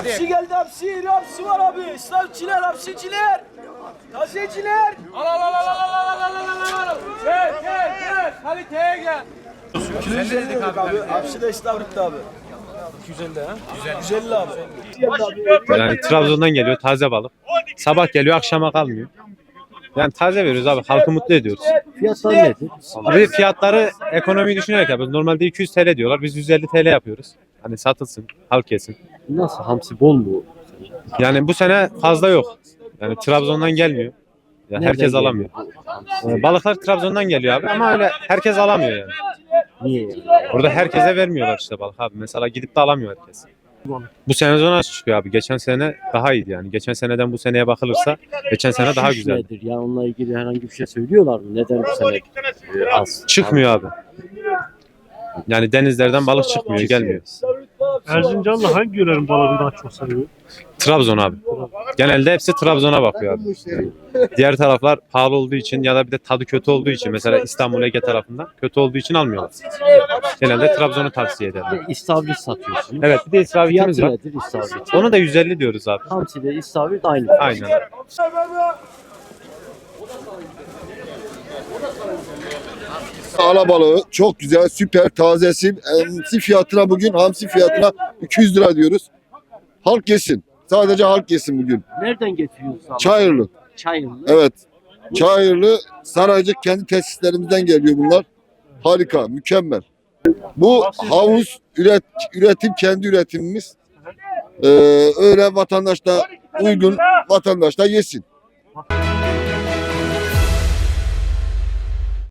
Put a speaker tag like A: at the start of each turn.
A: Hapsi geldi hapsi. Hapsi var abi. İslamciler, hapsiciler. Tazeciler.
B: Gel. Kaliteye gel.
A: 250 dedik abi. Hapsi de İstavrit'te abi. 250 ha? 150 abi.
C: Yani Trabzon'dan geliyor taze balık. Sabah geliyor akşama kalmıyor. Yani taze veriyoruz abi. Halkı mutlu ediyoruz.
D: Fiyatlar nedir?
C: Abi fiyatları ekonomiyi düşünerek yapıyoruz. Normalde 200 TL diyorlar. Biz 150 TL yapıyoruz. Hani satılsın, halk yesin.
D: Nasıl? Hamsi bol mu?
C: Yani bu sene fazla yok. Yani Trabzon'dan gelmiyor. Ya
D: Nereden
C: herkes
D: geliyor
C: alamıyor.
D: bu hamsi?
C: Balıklar Trabzon'dan geliyor abi ama öyle herkes alamıyor yani.
D: Niye yani?
C: Burada herkese vermiyorlar işte balık abi. Mesela gidip de alamıyor herkes. Bu sene zona çıkıyor abi. Geçen sene daha iyiydi yani. Geçen seneden bu seneye bakılırsa geçen sene daha
D: Şiş
C: güzel.
D: nedir? Ya onunla ilgili herhangi bir şey söylüyorlar mı? Neden bu sene az?
C: Çıkmıyor abi. Yani denizlerden balık çıkmıyor, gelmiyor.
E: Erzincan'la hangi yörenin balığını daha çok seviyor?
C: Trabzon abi. Genelde hepsi Trabzon'a bakıyor abi. Diğer taraflar pahalı olduğu için ya da bir de tadı kötü olduğu için mesela İstanbul Ege tarafından kötü olduğu için almıyorlar. Genelde Trabzon'u tavsiye ederler.
D: İstavrit satıyorsunuz.
C: Evet bir de istavritimiz
D: Fiyatı
C: var.
D: nedir istavrit?
C: Onu da 150 diyoruz abi.
D: Hamsi ile istavrit aynı.
C: Aynen.
F: Alabalığı çok güzel, süper, tazesi. Hamsi fiyatına bugün, hamsi fiyatına 200 lira diyoruz. Halk yesin. Sadece halk yesin bugün.
D: Nereden getiriyorsunuz? abi?
F: Çayırlı.
D: Çayırlı.
F: Evet. Çayırlı, Saraycık kendi tesislerimizden geliyor bunlar. Harika, mükemmel. Bu havuz üretim kendi üretimimiz. Öyle vatandaş da uygun, vatandaş da yesin.